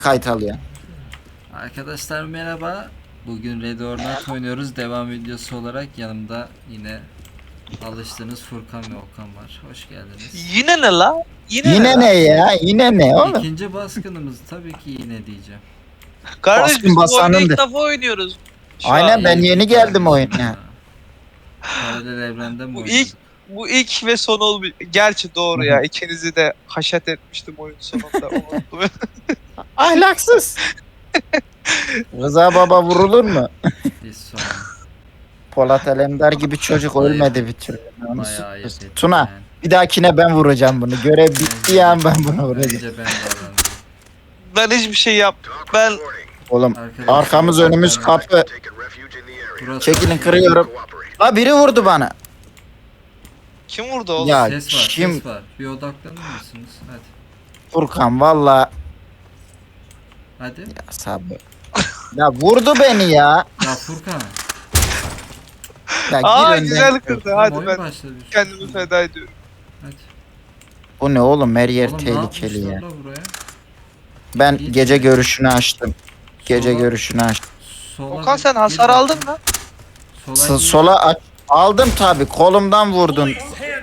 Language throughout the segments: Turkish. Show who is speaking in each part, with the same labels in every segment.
Speaker 1: kayıt alıyor.
Speaker 2: Arkadaşlar merhaba. Bugün Red or Not oynuyoruz. Devam videosu olarak yanımda yine alıştığınız Furkan ve Okan var. Hoş geldiniz.
Speaker 3: Yine ne la?
Speaker 1: Yine ne ya? Yine ne oğlum?
Speaker 2: İkinci baskınımız tabii ki yine diyeceğim.
Speaker 3: Kardeş
Speaker 1: Baskın
Speaker 3: biz bu oyunu
Speaker 1: basanındı.
Speaker 3: ilk defa oynuyoruz. Şu
Speaker 1: Aynen,
Speaker 3: an.
Speaker 1: ben yeni geldim oyuna.
Speaker 2: Paralel evrende mi
Speaker 3: Bu
Speaker 2: oynadık?
Speaker 3: Bu ilk ve son olmuş. Gerçi doğru ya. İkinizi de haşat etmiştim oyun sonunda. Unuttum.
Speaker 1: Ahlaksız. Rıza Baba vurulur mu?
Speaker 2: Biz sonra
Speaker 1: Polat Alemdar gibi çocuk ölmedi bir türlü. Onu
Speaker 2: bayağı ayıp
Speaker 1: sürpriz.
Speaker 2: ettim
Speaker 1: Tuna,
Speaker 2: yani.
Speaker 1: bir dahakine ben vuracağım bunu. Görev bitti ya, ben bunu vuracağım.
Speaker 2: Bence ben davrandım.
Speaker 3: Ben hiçbir şey yap. Ben
Speaker 1: Oğlum
Speaker 2: Arkadaşlar,
Speaker 1: arkamız önümüz kapı.
Speaker 2: burası-
Speaker 1: Çekilin, kırıyorum. La biri vurdu bana.
Speaker 3: kim vurdu oğlum?
Speaker 1: Ya
Speaker 2: Ses var,
Speaker 1: kim?
Speaker 2: ses var. Bir odaklanır mısınız? Hadi.
Speaker 1: Furkan valla.
Speaker 2: Hadi.
Speaker 1: Ya sabır. Ya vurdu beni ya.
Speaker 2: Ya Furkan.
Speaker 1: Ya
Speaker 3: Aa
Speaker 1: önden.
Speaker 3: güzel kırdı.
Speaker 2: Oğlum,
Speaker 3: Hadi
Speaker 2: oyun
Speaker 3: ben
Speaker 2: başladı.
Speaker 3: kendimi feda ediyorum.
Speaker 2: Hadi.
Speaker 1: Bu ne oğlum, her yer
Speaker 2: Oğlum, ne
Speaker 1: tehlikeli ya.
Speaker 2: yapmışlar la buraya?
Speaker 1: Ben
Speaker 2: İyi
Speaker 1: gece
Speaker 2: ki.
Speaker 1: görüşünü açtım. Gece
Speaker 2: Sola-
Speaker 1: görüşünü açtım.
Speaker 2: Sola
Speaker 3: Okan
Speaker 2: bir-
Speaker 3: sen hasar
Speaker 2: bir-
Speaker 3: aldın mı?
Speaker 2: Sola gir.
Speaker 1: Aldım tabi, kolumdan vurdun.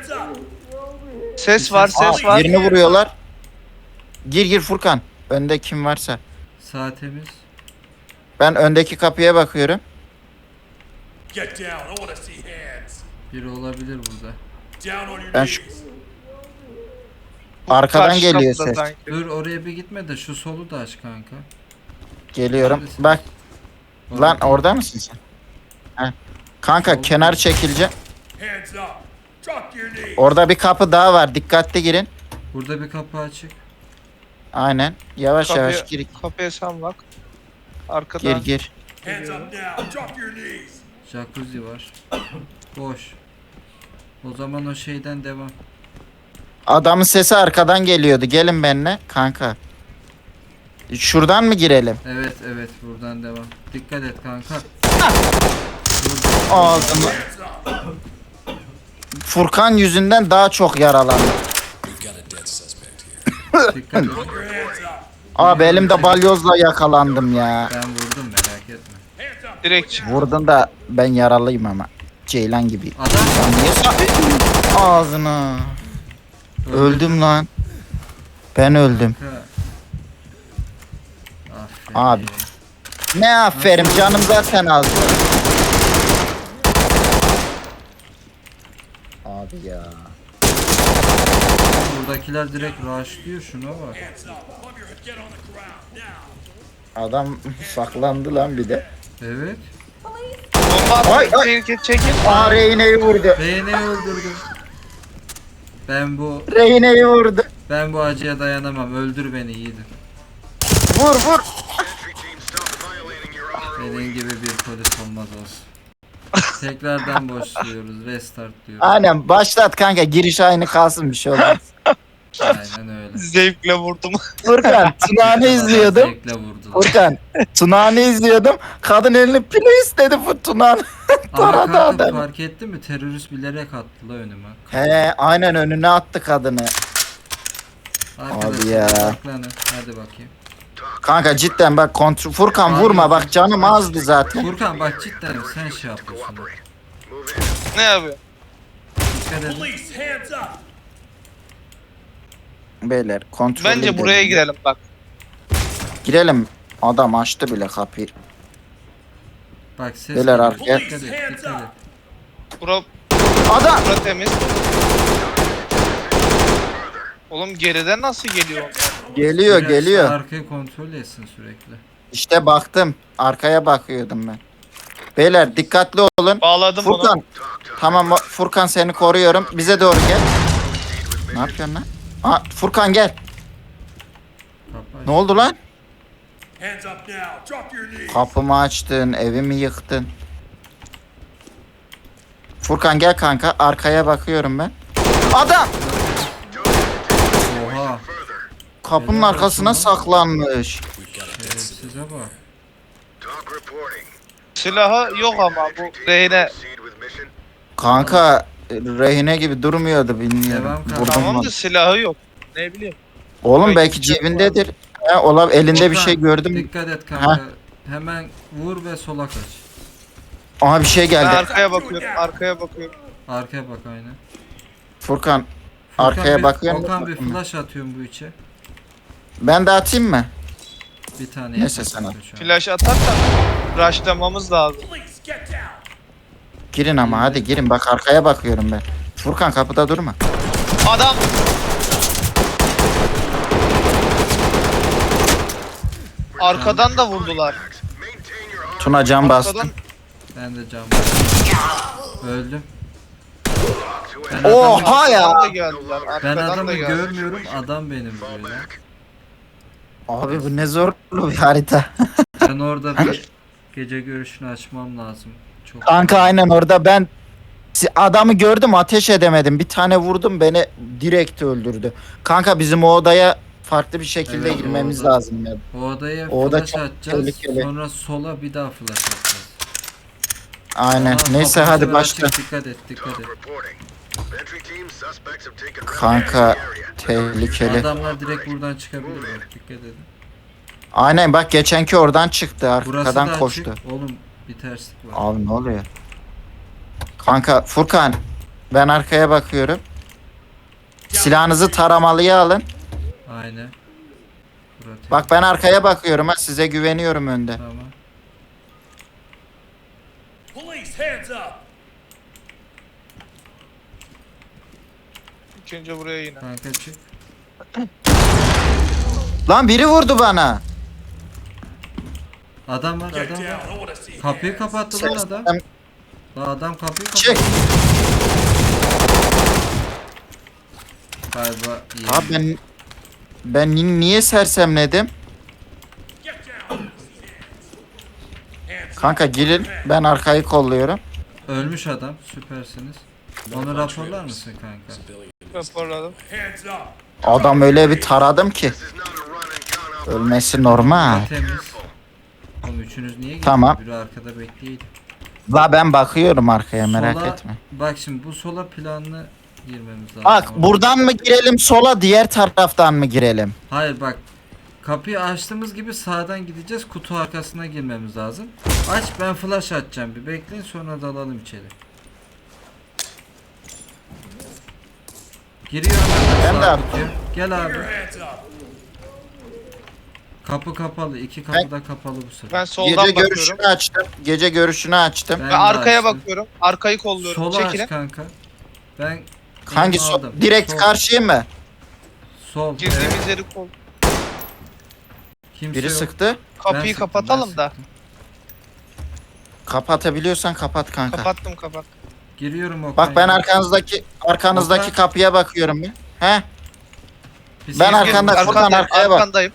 Speaker 3: Ses var,
Speaker 1: Aa,
Speaker 3: ses var.
Speaker 1: birini vuruyorlar. Gir Furkan. Önde kim varsa.
Speaker 2: Sağ temiz.
Speaker 1: Ben öndeki kapıya bakıyorum.
Speaker 4: Get down. I want to see hands.
Speaker 2: Biri olabilir burada.
Speaker 4: Down on your
Speaker 1: Ben
Speaker 4: knees.
Speaker 1: şu arkadan
Speaker 3: Karşı
Speaker 1: geliyor
Speaker 3: kapıda
Speaker 1: ses.
Speaker 3: sanki.
Speaker 2: Dur oraya bir gitme de şu solu da aç kanka.
Speaker 1: Geliyorum.
Speaker 2: Neredesin?
Speaker 1: Bak lan,
Speaker 2: Orada.
Speaker 1: orada mısın sen? Heh. Kanka
Speaker 2: Sol.
Speaker 1: kenar çekileceğim.
Speaker 4: Hands up. Drop to your knees.
Speaker 1: Orada bir kapı daha var. Dikkatli girin.
Speaker 2: Burada bir kapı açık.
Speaker 1: Aynen. Yavaş
Speaker 3: Kapıya-
Speaker 1: yavaş gir.
Speaker 3: Kapıya sen bak. Arkadan.
Speaker 1: Gir.
Speaker 4: Hands up now. Drop to your knees.
Speaker 2: Jacuzzi var. Boş. O zaman o şeyden devam.
Speaker 1: Adamın sesi arkadan geliyordu. Gelin benimle kanka. Şuradan mı girelim?
Speaker 2: Evet evet buradan devam. Dikkat et kanka.
Speaker 1: Ağzımı.
Speaker 4: Hands up.
Speaker 1: Furkan yüzünden daha çok yaralandım.
Speaker 2: Dikkat et.
Speaker 4: Put your hands up.
Speaker 1: Abi elimde balyozla yakalandım ya.
Speaker 2: Ben vurdum merak etme.
Speaker 4: Hands up.
Speaker 3: Direkt çık.
Speaker 1: Vurdun da ben yaralıyım ama. Ceylan gibi.
Speaker 2: Adam
Speaker 1: Lan niye ağzına. Öldüm lan. Ben öldüm.
Speaker 2: kanka. Aferin.
Speaker 1: Abi. Ne aferin, canım zaten az. Abi ya.
Speaker 2: Buradakiler direkt rushlıyor şuna bak.
Speaker 4: Hands up. Above your head. Get on the ground now.
Speaker 1: Adam saklandı lan bir de.
Speaker 2: Evet.
Speaker 3: Bomba
Speaker 1: Ay,
Speaker 3: atın.
Speaker 1: ay.
Speaker 3: Çekin.
Speaker 1: Aa, Rehine'yi vurdu.
Speaker 2: Beğeni öldürdüm.
Speaker 1: Rehine'yi vurdu.
Speaker 2: Ben bu acıya dayanamam. Öldür beni yiğidim.
Speaker 1: Vur.
Speaker 2: Senin gibi bir polis olmaz olsun. Tekrardan başlıyoruz. Restart diyoruz.
Speaker 1: Aynen, başlat kanka, giriş aynı kalsın, bir şey olmaz.
Speaker 2: Aynen öyle.
Speaker 3: Zevkle vurdum.
Speaker 1: Furkan, Tuna'nı izliyordum.
Speaker 2: Zevkle vurdular.
Speaker 1: Furkan, Tuna'nı izliyordum. Kadın elini pili istedi bu Tuna'nın.
Speaker 2: Ama
Speaker 1: Taradı
Speaker 2: kanka
Speaker 1: adamı.
Speaker 2: fark ettin mi? Terörist bilerek attı la önüme.
Speaker 1: He, aynen önüne attı kadını.
Speaker 2: Arkadaşlar
Speaker 1: ya.
Speaker 2: odaklanın. Hadi bakayım.
Speaker 1: Kanka cidden bak, kontrol. Furkan
Speaker 2: Abi,
Speaker 1: vurma bak, canım azdı zaten.
Speaker 2: Furkan bak cidden sen şey yapıyorsun. bak.
Speaker 3: Ne yapıyor?
Speaker 2: Dikkat edin.
Speaker 4: Police. Hands up.
Speaker 1: Beyler kontrol
Speaker 3: Bence buraya girelim bak.
Speaker 1: Girelim. Adam açtı bile kapıyı.
Speaker 2: Bak ses
Speaker 1: Beyler
Speaker 2: geliyor.
Speaker 1: arkaya.
Speaker 2: Dikkat et, dikkat et.
Speaker 3: Bura,
Speaker 1: Adam!
Speaker 3: bura temiz. Oğlum geriden nasıl geliyor onlar?
Speaker 1: Geliyor
Speaker 2: Biraz
Speaker 1: geliyor.
Speaker 2: Arkayı kontrol etsin sürekli.
Speaker 1: İşte baktım. Arkaya bakıyordum ben. Beyler dikkatli olun.
Speaker 3: Bağladım
Speaker 1: Furkan.
Speaker 3: onu.
Speaker 1: Tamam Furkan, seni koruyorum. Bize doğru gel. Ne yapıyorsun lan? Aa, Furkan gel.
Speaker 2: Kapı
Speaker 1: Ne oldu lan?
Speaker 4: Hands up now. Drop to your knees.
Speaker 1: Kapımı açtın, evimi yıktın. Furkan gel kanka, arkaya bakıyorum ben. Adam!
Speaker 2: Oha.
Speaker 1: Kapının
Speaker 2: Helal
Speaker 1: arkasına
Speaker 2: olsun lan.
Speaker 1: saklanmış.
Speaker 2: Şerefsize bak.
Speaker 3: Silahı yok ama bu rehine.
Speaker 1: Kanka rehine gibi durmuyordu, bilmiyorum.
Speaker 2: Devam kanka.
Speaker 1: Vurdum
Speaker 3: Tamam
Speaker 1: onu.
Speaker 3: da silahı yok. Ne bileyim.
Speaker 1: Oğlum
Speaker 3: Belki
Speaker 1: belki
Speaker 3: bir şey
Speaker 1: cebindedir. Elinde bir
Speaker 2: Okan,
Speaker 1: şey gördüm.
Speaker 2: Dikkat et kanka. Hemen vur ve sola kaç.
Speaker 1: Aha bir şey
Speaker 3: Ben
Speaker 1: geldi.
Speaker 3: arkaya bakıyorum. Arkaya bakıyorum.
Speaker 2: Arkaya bak aynen.
Speaker 1: Furkan
Speaker 2: Furkan
Speaker 1: arkaya
Speaker 2: bir,
Speaker 1: bakıyorum.
Speaker 2: Okan bir flash atıyorum bu içe.
Speaker 1: Ben de atayım mı?
Speaker 2: Bir tane
Speaker 1: Neyse,
Speaker 2: yeter
Speaker 1: sen at.
Speaker 2: kanka şu an.
Speaker 3: Flash atarsan rushlamamız lazım.
Speaker 4: Police, get down.
Speaker 1: Girin ama hadi girin. Bak arkaya bakıyorum ben. Furkan kapıda durma.
Speaker 3: Adam arkadan da vurdular.
Speaker 1: Tuna can bastım.
Speaker 3: Arkadan
Speaker 2: Ben de cam öldüm. Ben
Speaker 1: Oha
Speaker 2: adamı,
Speaker 1: ya.
Speaker 3: da geldiler.
Speaker 2: ben
Speaker 3: Arkadan
Speaker 2: adamı
Speaker 3: da geldiler.
Speaker 2: görmüyorum, adam benim vuruyor lan.
Speaker 1: Abi bu ne zorlu bir harita.
Speaker 2: Ben orada bir gece görüşünü açmam lazım. Çok
Speaker 1: Kanka aynen orada ben adamı gördüm ateş edemedim. Bir tane vurdum beni direkt öldürdü. Kanka bizim o odaya farklı bir şekilde
Speaker 2: Evet, o
Speaker 1: girmemiz
Speaker 2: oda.
Speaker 1: lazım ya.
Speaker 2: O odaya
Speaker 1: O oda
Speaker 2: flash
Speaker 1: çok
Speaker 2: atacağız.
Speaker 1: tehlikeli.
Speaker 2: Sonra sola bir daha flash atacağız.
Speaker 1: Aynen.
Speaker 2: Aa,
Speaker 1: Neyse
Speaker 2: kapı
Speaker 1: hadi
Speaker 2: sefer
Speaker 1: başla.
Speaker 2: açık, dikkat et, dikkat et.
Speaker 1: Kanka tehlikeli.
Speaker 2: Adamlar direkt buradan çıkabilir bak, dikkat edin.
Speaker 1: Aynen bak geçenki oradan çıktı
Speaker 2: Burası
Speaker 1: arkadan
Speaker 2: da
Speaker 1: koştu.
Speaker 2: açık. Oğlum bir terslik var.
Speaker 1: Abi ne oluyor? Kanka Furkan ben arkaya bakıyorum. Silahınızı taramalıya alın.
Speaker 2: Aynen. Burası.
Speaker 1: Bak ben arkaya bakıyorum ha size güveniyorum önde.
Speaker 2: Tamam.
Speaker 4: Police, hands up.
Speaker 3: İlk önce buraya yine.
Speaker 2: Kanka çık.
Speaker 1: Lan biri vurdu bana.
Speaker 2: Adam var,
Speaker 4: Get
Speaker 2: adam
Speaker 4: down.
Speaker 2: var.
Speaker 4: I want to see
Speaker 2: Kapıyı
Speaker 4: hands.
Speaker 2: kapattı lan adam.
Speaker 1: Sen-
Speaker 2: Lan adam kapıyı kapattı.
Speaker 1: Çık.
Speaker 2: Galiba iyi.
Speaker 1: Abi ben niye sersemledim?
Speaker 4: Get down. Hands up.
Speaker 1: Kanka girin ben arkayı kolluyorum.
Speaker 2: Ölmüş adam, süpersiniz. Onu raporlar mısın kanka?
Speaker 3: Raporladım.
Speaker 4: Hands up.
Speaker 1: Adam öyle bir taradım ki. Ölmesi normal.
Speaker 2: Temiz. Oğlum üçünüz niye gidiyorsunuz?
Speaker 1: Tamam.
Speaker 2: Biri arkada bekleyeydi.
Speaker 1: La ben bakıyorum arkaya merak
Speaker 2: Sola-
Speaker 1: etme.
Speaker 2: Bak şimdi bu sola planlı girmemiz lazım.
Speaker 1: Bak
Speaker 2: Ama-
Speaker 1: buradan mı girelim sola diğer taraftan mı girelim?
Speaker 2: Hayır bak. Kapıyı açtığımız gibi sağdan gideceğiz. Kutu arkasına girmemiz lazım. Aç, ben flash atacağım. Bir bekleyin, sonra dalalım içeri. Giriyorum
Speaker 1: Ben
Speaker 2: ben
Speaker 1: de
Speaker 2: sağ
Speaker 1: attım.
Speaker 2: kutuya. Gel abi.
Speaker 4: Your hands up.
Speaker 2: Kapı kapalı. İki kapı da kapalı bu sefer.
Speaker 3: Ben soldan
Speaker 1: Gece
Speaker 3: bakıyorum.
Speaker 1: görüşünü açtım. Gece görüşünü açtım.
Speaker 2: Ben
Speaker 3: Ben
Speaker 2: de
Speaker 3: arkaya
Speaker 2: açtım.
Speaker 3: bakıyorum. Arkayı kolluyorum.
Speaker 2: Sola
Speaker 3: Çekilin.
Speaker 2: aç kanka. Ben
Speaker 1: Hangi
Speaker 2: elimi aldım.
Speaker 1: direkt
Speaker 2: Sol,
Speaker 1: karşıya mı?
Speaker 2: Sol. Evet.
Speaker 3: Girdiğimiz yeri kol.
Speaker 2: Kimse
Speaker 1: Biri
Speaker 2: yok.
Speaker 1: sıktı.
Speaker 2: Ben
Speaker 3: Kapıyı
Speaker 2: sıktım,
Speaker 3: kapatalım
Speaker 2: ben
Speaker 3: da.
Speaker 2: sıktım.
Speaker 1: Kapatabiliyorsan kapat kanka.
Speaker 3: Kapattım kapat.
Speaker 2: Giriyorum o
Speaker 1: Bak ben
Speaker 2: kaynağı.
Speaker 1: arkanızdaki
Speaker 2: Okan.
Speaker 1: kapıya bakıyorum bir. He?
Speaker 2: Bir
Speaker 1: ben
Speaker 2: ses
Speaker 1: arkanda-
Speaker 2: gelmiş.
Speaker 1: Furkan arkaya bak.
Speaker 3: Arkandayım.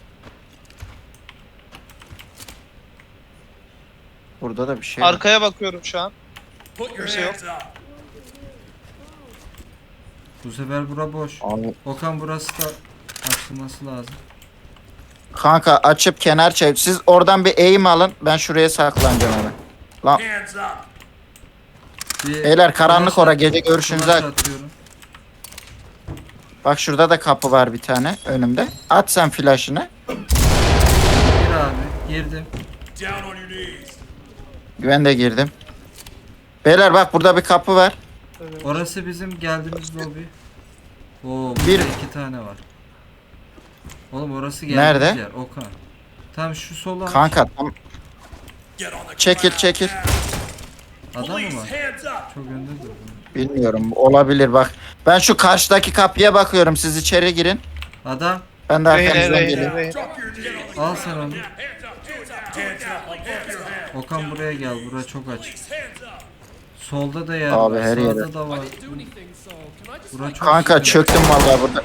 Speaker 1: Burada da bir şey var.
Speaker 3: Arkaya bakıyorum şu an.
Speaker 4: Put your
Speaker 3: Kimse yok.
Speaker 4: hands up.
Speaker 2: Bu sefer bura boş.
Speaker 1: Abi,
Speaker 2: Okan burası da açılması lazım.
Speaker 1: kanka açıp kenar çevir. Siz oradan bir eğim alın. Ben şuraya saklanacağım hemen. Lan
Speaker 4: Hands up.
Speaker 2: Bir
Speaker 1: beyler karanlık
Speaker 2: flash
Speaker 1: ora
Speaker 2: at-
Speaker 1: gece görüşünüzü
Speaker 2: flash
Speaker 1: aç.
Speaker 2: atıyorum.
Speaker 1: Bak şurada da kapı var bir tane önümde. At sen flaşını.
Speaker 2: Gir abi. Girdim.
Speaker 4: Down on your knees.
Speaker 1: Ben de girdim. Beyler bak burada bir kapı var.
Speaker 2: Orası bizim geldiğimiz lobi. Oo, burada
Speaker 1: Bir-
Speaker 2: iki tane var. Oğlum orası geldiğimiz
Speaker 1: Nerede?
Speaker 2: yer. Okan. Tam şu sola.
Speaker 1: Kanka tam
Speaker 4: Get on the
Speaker 1: Çekil,
Speaker 4: ground
Speaker 1: çekil.
Speaker 4: now.
Speaker 2: Adam mı
Speaker 4: Police,
Speaker 2: var?
Speaker 4: hands up.
Speaker 2: Çok önde dur.
Speaker 1: bilmiyorum olabilir bak. Ben şu karşıdaki kapıya bakıyorum. Siz içeri girin.
Speaker 2: Adam.
Speaker 1: Ben de
Speaker 3: Reyne,
Speaker 1: arkanızdan
Speaker 3: reyne,
Speaker 1: geliyorum.
Speaker 3: reyne.
Speaker 4: Drop your knees.
Speaker 2: Al sen onu.
Speaker 4: Hands up. Hands up. Like both your hands.
Speaker 2: Okan buraya gel. Bura çok aç.
Speaker 4: Police, hands up.
Speaker 2: Solda da yer
Speaker 1: Abi
Speaker 2: var.
Speaker 1: her
Speaker 2: Sağda
Speaker 1: yere.
Speaker 2: da var. Bura çok
Speaker 1: Kanka
Speaker 2: sıkıntı.
Speaker 1: çöktüm vallahi burada.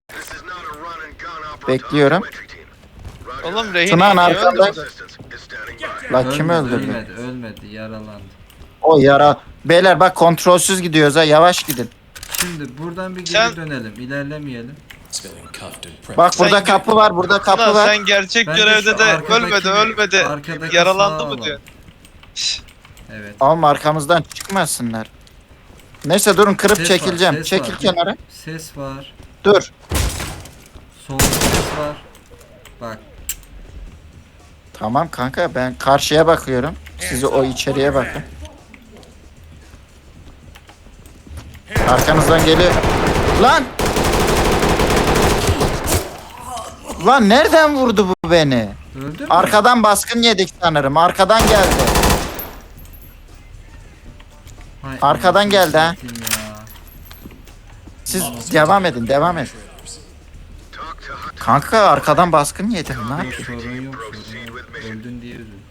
Speaker 1: Bekliyorum.
Speaker 3: Oğlum rehin
Speaker 1: Tunağın
Speaker 3: niye
Speaker 1: arkanda.
Speaker 3: öldürdün?
Speaker 1: La kim öldürdü?
Speaker 2: Ölmedi, ölmedi. Yaralandı.
Speaker 1: O yara. Beyler bak kontrolsüz gidiyoruz ha yavaş gidin.
Speaker 2: Şimdi buradan bir geri
Speaker 3: Sen-
Speaker 2: dönelim. İlerlemeyelim.
Speaker 1: Bak burada
Speaker 3: Sen-
Speaker 1: kapı var burada kapı
Speaker 3: Ulan
Speaker 1: var.
Speaker 3: sen gerçek
Speaker 2: Bence
Speaker 3: görevde
Speaker 2: şu
Speaker 3: de
Speaker 2: arkadaki-
Speaker 3: ölmedi.
Speaker 2: arkadaki
Speaker 3: Yaralandı
Speaker 2: sağa
Speaker 3: mı
Speaker 2: alalım.
Speaker 3: diyor.
Speaker 2: Evet.
Speaker 1: Oğlum arkamızdan çıkmasınlar. Neyse durun kırıp
Speaker 2: Ses
Speaker 1: çekileceğim.
Speaker 2: var, ses
Speaker 1: Çekil
Speaker 2: var.
Speaker 1: kenara.
Speaker 2: Ses var.
Speaker 1: Dur.
Speaker 2: Solda ses var. Bak
Speaker 1: Tamam kanka ben karşıya bakıyorum. Siz o içeriye bakın. Arkanızdan geliyor. Lan! Lan nereden vurdu bu beni?
Speaker 2: öldün mü?
Speaker 1: Arkadan baskın yedik sanırım. Arkadan geldi.
Speaker 2: Hay
Speaker 1: arkadan
Speaker 2: anasını
Speaker 1: geldi ha.
Speaker 2: satayım ya.
Speaker 1: Siz devam edin, devam edin. Kanka arkadan baskın yedim. Ne
Speaker 2: Yok,
Speaker 1: yapayım?
Speaker 2: sorun yok sorun yok. Öldün diye üzüldüm.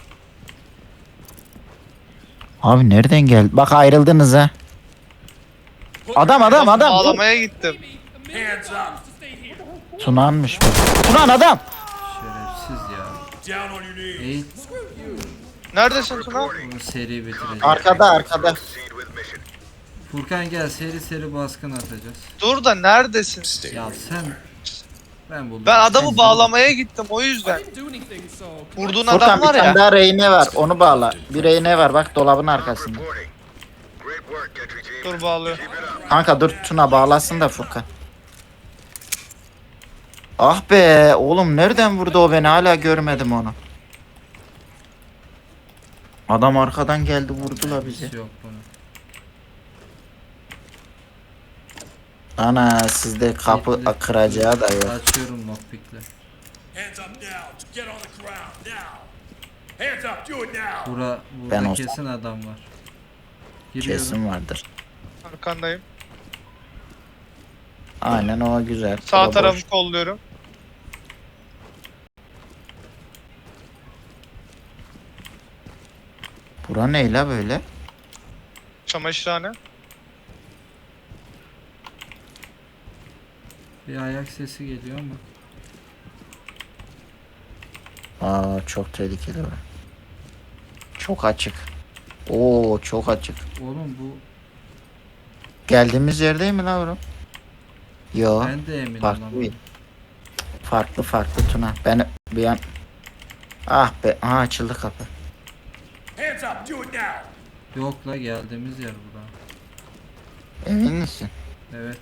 Speaker 1: Abi nereden geldi? Bak ayrıldınız ha. Adam.
Speaker 3: Bağlamaya gittim.
Speaker 4: Hands up.
Speaker 1: Tunanmış bu. Tunan adam.
Speaker 2: Şerefsiz ya.
Speaker 4: Down on your knees.
Speaker 2: Eğil
Speaker 3: Neredesin Tuna?
Speaker 2: bunu seri bitireceğiz.
Speaker 1: Arkada.
Speaker 2: Furkan gel seri baskın atacağız.
Speaker 3: Dur da neredesin?
Speaker 2: Ya sen ben buldum.
Speaker 3: Ben adamı bağlamaya gittim o yüzden. Vurduğun adam
Speaker 1: Furkan bir
Speaker 3: var
Speaker 1: tane
Speaker 3: ya.
Speaker 1: daha rehine var. Onu bağla. Bir rehine var bak dolabın arkasında.
Speaker 3: Dur bağlıyor.
Speaker 1: Kanka dur Tuna bağlasın da Furkan. Ah be oğlum nereden vurdu o beni hala görmedim onu. Adam arkadan geldi vurdu la bizi.
Speaker 2: Yok bunu.
Speaker 1: Ana sizde kapı kıracağı da yok.
Speaker 2: Açıyorum lockpick'le.
Speaker 4: Hands up now. Get on the ground now. Hands up. Do it now.
Speaker 2: Burada
Speaker 1: Ben olsam.
Speaker 2: kesin adam var. Giriyorum.
Speaker 1: Kesin vardır.
Speaker 3: Arkandayım.
Speaker 1: Aynen o güzel.
Speaker 3: Sağ
Speaker 1: O da
Speaker 3: tarafı
Speaker 1: boş.
Speaker 3: kolluyorum.
Speaker 1: Bura ne la böyle?
Speaker 3: Çamaşırhane.
Speaker 2: Bir ayak sesi geliyor ama.
Speaker 1: Aa çok tehlikeli o. Çok açık. Oo çok açık.
Speaker 2: Oğlum bu
Speaker 1: Geldiğimiz yerdeyim mi la oğlum? Yo.
Speaker 2: ben de eminim
Speaker 1: farklı
Speaker 2: ama.
Speaker 1: bir- Farklı Tuna. Ben bir an... Ah be. Aha açıldı kapı.
Speaker 4: Hands up. Do it now.
Speaker 2: Yok la geldiğimiz yer bura.
Speaker 1: Emin misin?
Speaker 2: Evet.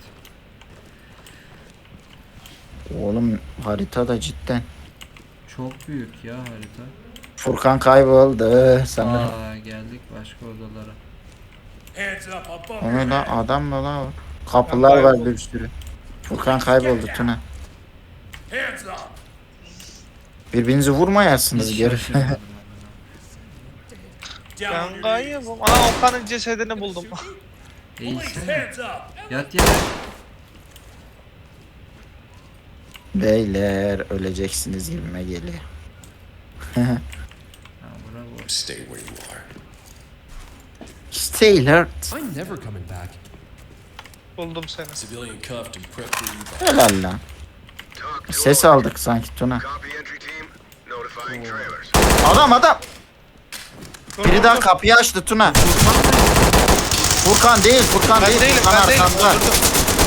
Speaker 1: Oğlum harita da cidden.
Speaker 2: Çok büyük ya harita.
Speaker 1: Furkan kayboldu sanırım.
Speaker 2: Aa geldik başka odalara.
Speaker 4: Hands up above
Speaker 1: O
Speaker 4: your
Speaker 1: ne la
Speaker 4: head.
Speaker 1: adam mı la o? Kapılar var bir sürü. Furkan kayboldu Tuna.
Speaker 4: Hands up.
Speaker 1: Birbirinizi vurmayasınız
Speaker 2: Hiç
Speaker 1: geri.
Speaker 2: şaşırmadım amına.
Speaker 4: Down on
Speaker 3: Ben
Speaker 4: your
Speaker 3: gayet
Speaker 4: knees.
Speaker 3: Ana Okan'ın cesedini buldum.
Speaker 4: Police.
Speaker 2: Eğilsene.
Speaker 4: Hands up.
Speaker 2: Yat yere.
Speaker 1: Beyler öleceksiniz gibime geliyor.
Speaker 2: Ha bravo.
Speaker 5: Stay where you are.
Speaker 1: Stay alert.
Speaker 5: I'm never coming back.
Speaker 3: Buldum seni.
Speaker 5: Civilian cuffed and prepped for evac.
Speaker 1: Helal lan. Ses aldık sanki Tuna. Adam. Biri daha kapıyı açtı Tuna. Furkan değil.
Speaker 3: Ben değilim
Speaker 1: Furkan
Speaker 3: ben değilim.
Speaker 1: arkanda.
Speaker 3: Öldürdüm.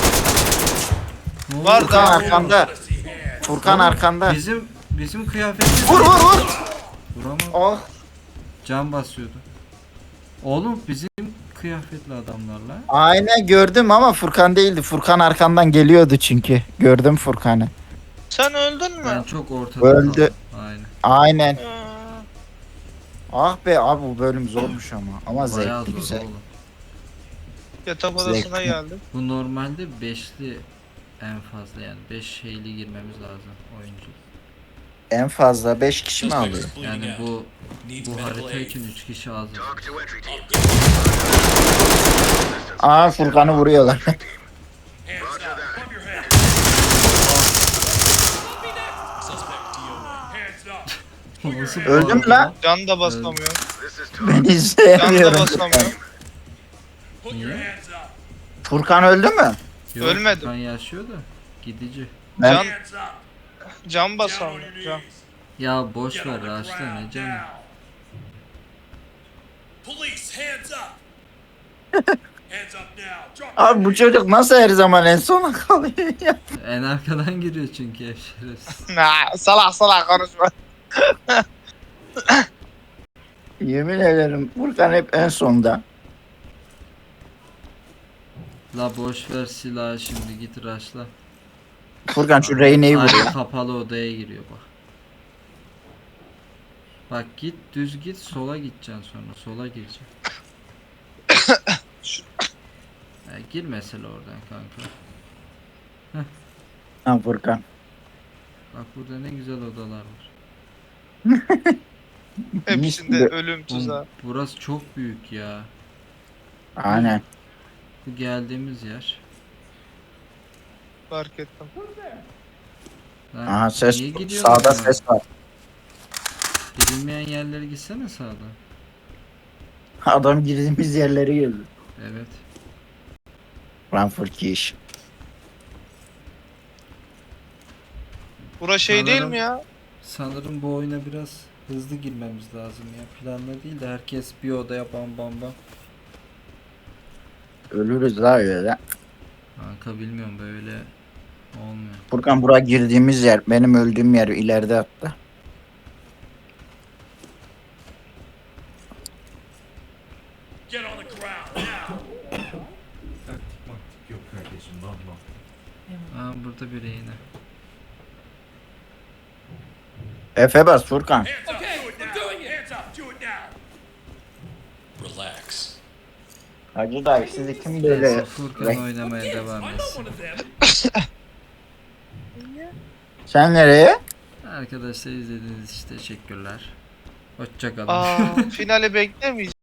Speaker 2: Ne oldu?
Speaker 3: Var
Speaker 1: Furkan
Speaker 3: da.
Speaker 1: arkanda. Furkan arkanda.
Speaker 2: Bizim kıyafetimiz.
Speaker 1: Vur.
Speaker 2: Vuramam.
Speaker 1: Oh.
Speaker 2: Can basıyordu. Oğlum bizim kıyafetli adamlarla.
Speaker 1: Aynen gördüm ama Furkan değildi. Furkan arkandan geliyordu çünkü. Gördüm Furkan'ı.
Speaker 3: Sen öldün
Speaker 2: Ben
Speaker 3: mü?
Speaker 2: çok ortada
Speaker 1: Öldü.
Speaker 2: kaldım. Aynen.
Speaker 1: Aynen.
Speaker 3: Aa,
Speaker 1: Ah be abi bu bölüm zormuş ama. Ama
Speaker 2: Bayağı
Speaker 1: zevkli
Speaker 2: zor
Speaker 1: güzel.
Speaker 2: oğlum.
Speaker 3: Yatak odasına
Speaker 1: Zevkli.
Speaker 3: geldim.
Speaker 2: Bu normalde 5'li en fazla yani 5 şeyli girmemiz lazım oyuncu.
Speaker 1: En fazla 5 kişi mi alıyor?
Speaker 2: Yani bu harita için 3 kişi az.
Speaker 1: Aa Furkan'ı vuruyorlar.
Speaker 4: Hands up. Above your head. Hands up.
Speaker 2: Nasıl
Speaker 1: Öldün mü
Speaker 2: bağırdı
Speaker 1: lan?
Speaker 3: Can da basamıyor.
Speaker 1: Ben
Speaker 3: Can da
Speaker 1: izleyemiyorum.
Speaker 3: basamıyor.
Speaker 4: Put your
Speaker 2: Niye?
Speaker 4: hands up.
Speaker 1: Furkan öldü mü?
Speaker 2: Yok,
Speaker 3: Ölmedim.
Speaker 2: Furkan yaşıyor da gidici.
Speaker 1: Ben
Speaker 3: Can,
Speaker 4: Hands up.
Speaker 3: can
Speaker 4: Down on
Speaker 3: basamıyor.
Speaker 4: your
Speaker 3: Can.
Speaker 4: knees.
Speaker 2: Ya boş
Speaker 4: Get
Speaker 2: ver
Speaker 4: on the
Speaker 2: Raşla ne
Speaker 4: ground
Speaker 2: canım.
Speaker 4: now. Police. Hands up. Hands up now. Drop
Speaker 1: Abi bu çocuk nasıl her zaman en sona kalıyor ya?
Speaker 2: En arkadan giriyor çünkü ev şerefsiz.
Speaker 3: Nah, salak konuşma.
Speaker 1: Yemin ederim Furkan hep en sonda.
Speaker 2: La boş ver silahı şimdi git Raşla.
Speaker 1: Furkan şu Reyne'yi vur
Speaker 2: Aynı
Speaker 1: ya.
Speaker 2: kapalı odaya giriyor bak. Bak git düz git sola gideceksin sonra sola gireceksin. Gir mesela oradan kanka.
Speaker 1: Ha Furkan.
Speaker 2: Bak burada ne güzel odalar var.
Speaker 3: Hepsinde
Speaker 1: Mis gibi.
Speaker 3: ölüm tuzağı.
Speaker 2: Oğlum, burası çok büyük ya.
Speaker 1: Aynen.
Speaker 2: Bu geldiğimiz yer.
Speaker 3: Fark ettim.
Speaker 2: Lan
Speaker 1: Aha ses.
Speaker 2: niye gidiyorsun
Speaker 1: Sağda
Speaker 2: lan?
Speaker 1: ses var.
Speaker 2: Gidilmeyen yerlere gitsene sağdan.
Speaker 1: Adam girdiğimiz yerleri gördü.
Speaker 2: Evet.
Speaker 1: Lan Furki iş.
Speaker 3: Bura şey değil
Speaker 2: Sanırım-
Speaker 3: mi ya?
Speaker 2: Sanırım bu oyuna biraz hızlı girmemiz lazım ya. Planla değil de herkes bir odaya bam bam bam.
Speaker 1: Ölürüz la öyle.
Speaker 2: Kanka bilmiyorum böyle olmuyor.
Speaker 1: Furkan buraya girdiğimiz yer. Benim öldüğüm yer ileride hatta.
Speaker 4: Get on the ground now.
Speaker 2: Aa burada biri yine.
Speaker 1: Efe bas Furkan.
Speaker 4: Hands up, do it now. Hands up, do it now.
Speaker 5: Relax.
Speaker 1: Hacı dayı sizi kim böyle...
Speaker 2: Neyse Furkan oynamaya devam
Speaker 4: I know
Speaker 2: etsin.
Speaker 4: one of them.
Speaker 1: Sen nereye?
Speaker 2: Arkadaşlar izlediğiniz için teşekkürler. Hoşçakalın.
Speaker 3: Aa, finali beklemeyeceğim.